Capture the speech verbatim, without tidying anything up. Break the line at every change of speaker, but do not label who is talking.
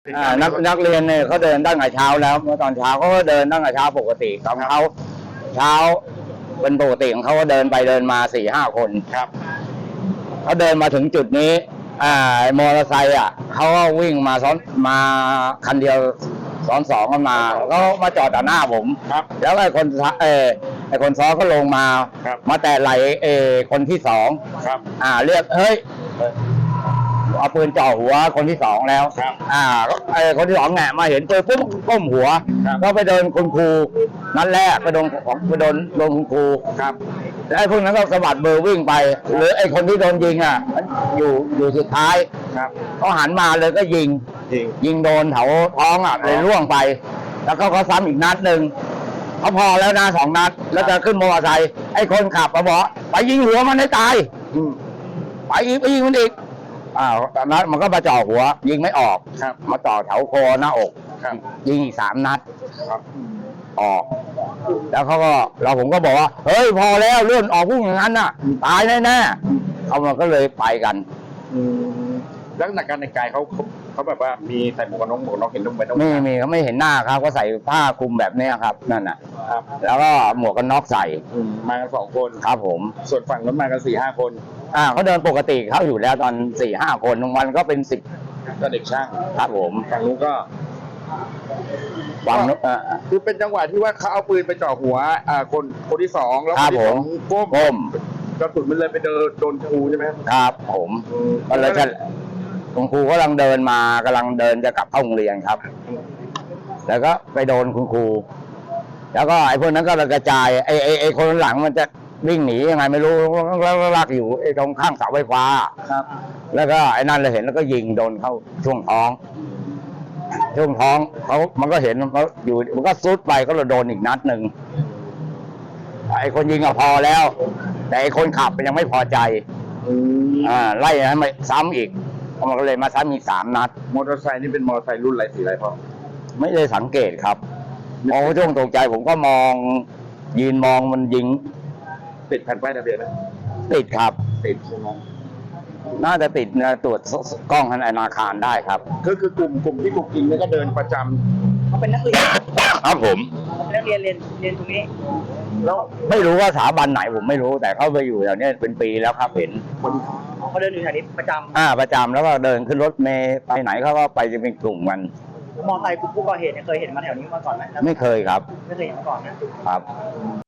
อ่านักนักเรียนเนี่ยเขาเดินตั้งแต่เช้าแล้วเมื่อตอนเช้าเขาก็เดินตั้งแต่เช้าปกติของเขาเช้าเป็นปกติของเขาก็เดินไปเดินมาสี่ห้าคนครับเขาเดินมาถึงจุดนี้อ่ามอเตอร์ไซค์อ่ะเขาก็วิ่งมาซ้อนมาคันเดียวซ้อนสองกันมาก็มาจอดต่อหน้าผมครับแล้วไอ้คนเออไอ้คนซ้อนก็ลงมามาแตะไหลเออคนที่สองครับอ่าเรียกเฮ้ยเอาปืนจ่อหัวคนที่สองแล้วครับอ่าไอ้คนที่สองแงะมาเห็นปืนปุ๊บก้มหัวก็ไปโดนคุณครูนัดแรกไปโดนของไปโดนโดนคุณครูครับแล้วไอ้พวกนั้นก็สะบัดเบอร์วิ่งไปหรือไอ้คนที่โดนยิงอ่ะอยู่อยู่สุดท้ายครับเขาหันมาเลยก็ยิงยิงยิงโดนแถวท้องอ่ะเลยร่วงไปแล้วก็เขาซ้ำอีกนัดหนึ่งเขาพอแล้วนะสองนัดแล้วจะขึ้นมอเตอร์ไซค์ไอ้คนขับมาบอกไปยิงหัวมันให้ตายไปอีกไปยิงมันอีกอ่าตอนนั้นมันก็มาจ่อหัวยิงไม่ออกครับมาจ่อแถวคอหน้าอกครับยิงอีกสามนัดครับออกแล้วเขาก็เราผมก็บอกว่าเฮ้ยพอแล้วเลื่อนออกพุ่งอย่างนั้นน่ะตายแน่ๆเขามันก็เลยไปกัน
ลักษณะการแต่งกายเขาเขาแบบว่ามีใส่หมวกกันน็อกหมวกกันน็อกเห็นนุ่มไปนุ่ม
ไม่มีเขาไม่เห็นหน้าครับก็ใส่ผ้าคลุมแบบนี้ครับนั่นน่ะครับแล้วก็หมวกกันน็อกใส่
มากันสองคน
ครับผม
ส่วนฝั่งนั้นมากันสี่ห้าคน
อ่าเขาเดินปกติเขาอยู่แล้วตอนสี่ห้าคนวันก็เป็นสิบ
ก็เด็กช่าง
ครับผม
ฝั่งนู้นก็
ฝั่งนู้น
คือเป็นจังหวะที่ว่าเขาเอาปืนไปจ่อหัวอ่าคนคนที่สองแล้วคนที่สองก้ม
ก้ม
กระสุนมันเลยไปโดนโดนครูใช่ไหม
ครับผมก็เลยจะคุณครูกำลังเดินมากำลังเดินจะกลับเข้าโรงเรียนครับแล้วก็ไปโดนคุณครูแล้วก็ไอ้พวกนั้นก็กระจายไอ้ไอ้ไอ้คนหลังมันจะวิ่งหนียังไงไม่รู้แล้วลากอยู่ไอ้ตรงข้างเสาไฟฟ้าครับแล้วก็ไอ้นั่นเราเห็นแล้วก็ยิงโดนเข้าช่วงท้องช่วงท้องเขามันก็เห็นเขาอยู่มันก็ซุดไปก็เลยโดนอีกนัดหนึ่งไอ้คนยิงก็พอแล้วแต่ไอ้คนขับมันยังไม่พอใจอ่าไล่ให้มาซ้ำอีกมันก็เลยมาซ้ำอีกสามนัด
มอเตอร์ไซค์นี่เป็นมอเตอร์ไซค์รุ่นอะไรสีอะไรพ่อ
ไม่ได้สังเกตครับมองช่วงตกใจผมก็มองยืนมองมันยิง
ติดแผ่นป้ายทะเบียนไหม
ติดครับ
ติดใช่ไหม
น่าจะติดนะตรวจกล้องธนาคารได้ครับ
ก็คือกลุ่มกลุ่มที่ถูกยิงนี่ก็เดินประจำ
เขาเป็นนักเรียน
ครับผม
เป็นนักเรียนเรียนเรียนตรงนี้
แล้วไม่รู้ว่าสถาบันไหนผมไม่รู้แต่เขาไปอยู่แถวนี้เป็นปีแล้วครับเห็น
เขาเดินอยู่แถวนี้ประจำ
อ่าประจำแล้วก็เดินขึ้นรถเมล์ไปไหนเขาก็ไปจะเป็นกลุ่มกัน
มอเตอร์ไซค์ผู้ก่อเหตุเนี่ยเคยเห็นมาแถวนี้มาก่อนไหม
ไม่เคยครับ
ไม่เคยเห็นมาก่อนนะครับ